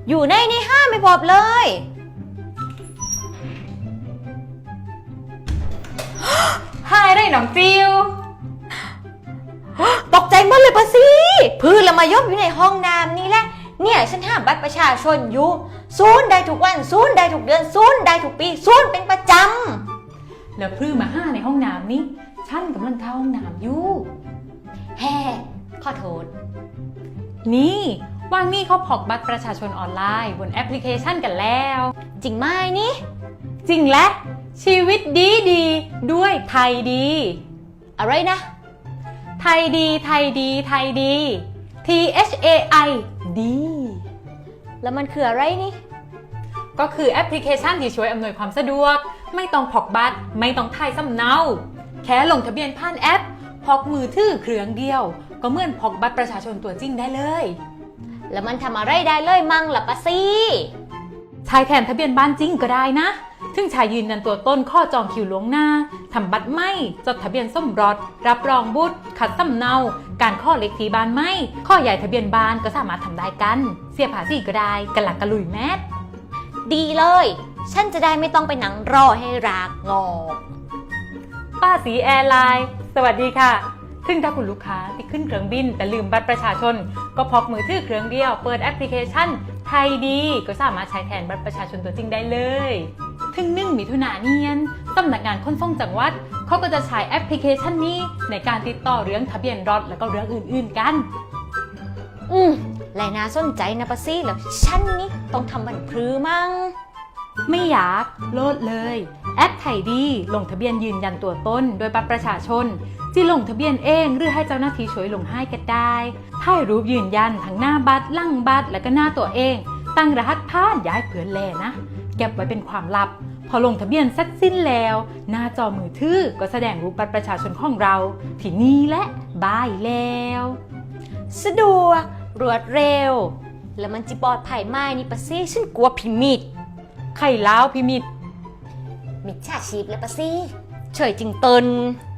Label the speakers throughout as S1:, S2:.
S1: อยู่ในห้างไม่พบเลย
S2: หายได้หนองจิว
S1: ตกใจหมดเลยปะสิพื้นละมายบอยู่ในห้องน้ำนี่แหละเนี่ยฉันหาบัตรประชาชนอยู่ศูนย์ได้ทุกวันศูนย์ได้ทุกเดือนศูนย์ได้ทุกปีศูนย์เป็นประจำ
S2: แล้วพรื้มาห้าในห้องน้ำนี่ฉันกำลังเข้าห้องน้ำอยู่
S1: แฮ่ขอโทษ
S2: นี่ว่างนี่เขาพกบัตรประชาชนออนไลน์บนแอปพลิเคชันกันแล้ว
S1: จริงไหมนี่
S2: จริงและชีวิตดีดีด้วยไทยดี
S1: อะไรนะ
S2: ไทยดีไทยดีไทยดี THAI ดี
S1: แล้วมันคืออะไรนี่
S2: ก็คือแอปพลิเคชันที่ช่วยอำนวยความสะดวกไม่ต้องพกบัตรไม่ต้องถ่ายสำเนาแค่ลงทะเบียนผ่านแอปพกมือถือเครื่องเดียวก็เหมือนพกบัตรประชาชนตัวจริงได้เลย
S1: แล้วมันทำอะไรได้เลยมั่งล่ะปะซี่
S2: ใช้แทนทะเบียนบ้านจริงก็ได้นะถึงชายยืนยันตัวต้นข้อจองคิวล่วงหน้าทำบัตรไม่จดทะเบียนสมรสรับรองบุตรขัดสำเนาการข้อเลขที่บ้านไม่ข้อใหญ่ทะเบียนบ้านก็สามารถทำได้กันเสียภาษีก็ได้กันหลักกระลุยแมส
S1: ดีเลยฉันจะได้ไม่ต้องไปนั่งรอให้รากงอก
S2: ป้าสีแอร์ไลน์สวัสดีค่ะซึ่งถ้าคุณลูกค้าที่ขึ้นเครื่องบินแต่ลืมบัตรประชาชนก็พกมือถือเครื่องเดียวเปิดแอปพลิเคชันไทยดีก็สามารถใช้แทนบัตรประชาชนตัวจริงได้เลยถึง1 มิถุนายนสำนักงานขนส่งจังหวัดเขาก็จะใช้แอปพลิเคชันนี้ในการติดต่อเรื่องทะเบียนรถแล้วก็เรื่องอื่นๆกัน
S1: และน่าสนใจนะปะซี่แล้วฉันนี่ต้องทำบันพรือมั่ง
S2: ไม่อยากโหลดเลยแอปไทยดีลงทะเบียนยืนยันตัวตนโดยบัตรประชาชนที่ลงทะเบียนเองหรือให้เจ้าหน้าที่ช่วยลงให้ก็ได้ถ่ายรูปยืนยันทั้งหน้าบัตรหลังบัตรและก็หน้าตัวเองตั้งรหัสผ่านย้ายเผื่อแลนะเก็บไว้เป็นความลับพอลงทะเบียนเสร็จสิ้นแล้วหน้าจอมือถือก็แสดงรูปบัตรประชาชนของเราที่นี่และบายแล้ว
S1: สะดวกรวดเร็วแล้วมันจิปลอดภัยไหมนี่ปะซี่ฉันกลัวพิมิด
S2: ไข่ล้าวพิมิด
S1: มิจฉาชีพแล้วปะซี่เฉยจริงตน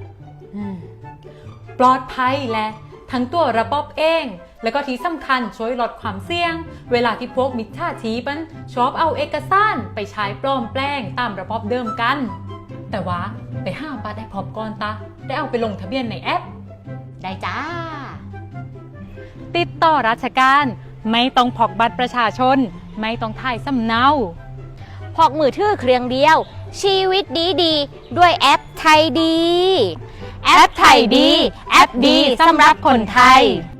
S2: ปลอดภัยและทั้งตัวระบบเองแล้วก็ที่สำคัญช่วยลดความเสี่ยงเวลาที่พวกมิจฉาชีพชอบเอาเอกสารไปใช้ปลอมแปลงตามระบบเดิมกันแต่ว่าไปห้ามบัตรได้พบก่อนตาได้เอาไปลงทะเบียนในแอป
S1: ได้จ้า
S2: ติดต่อราชการไม่ต้องพกบัตรประชาชนไม่ต้องถ่ายสำเนา
S1: พกมือถือเครื่องเดียวชีวิตดีด้วยแอปไทยดี
S2: แอปไทยดีแอปดีสำหรับคนไทย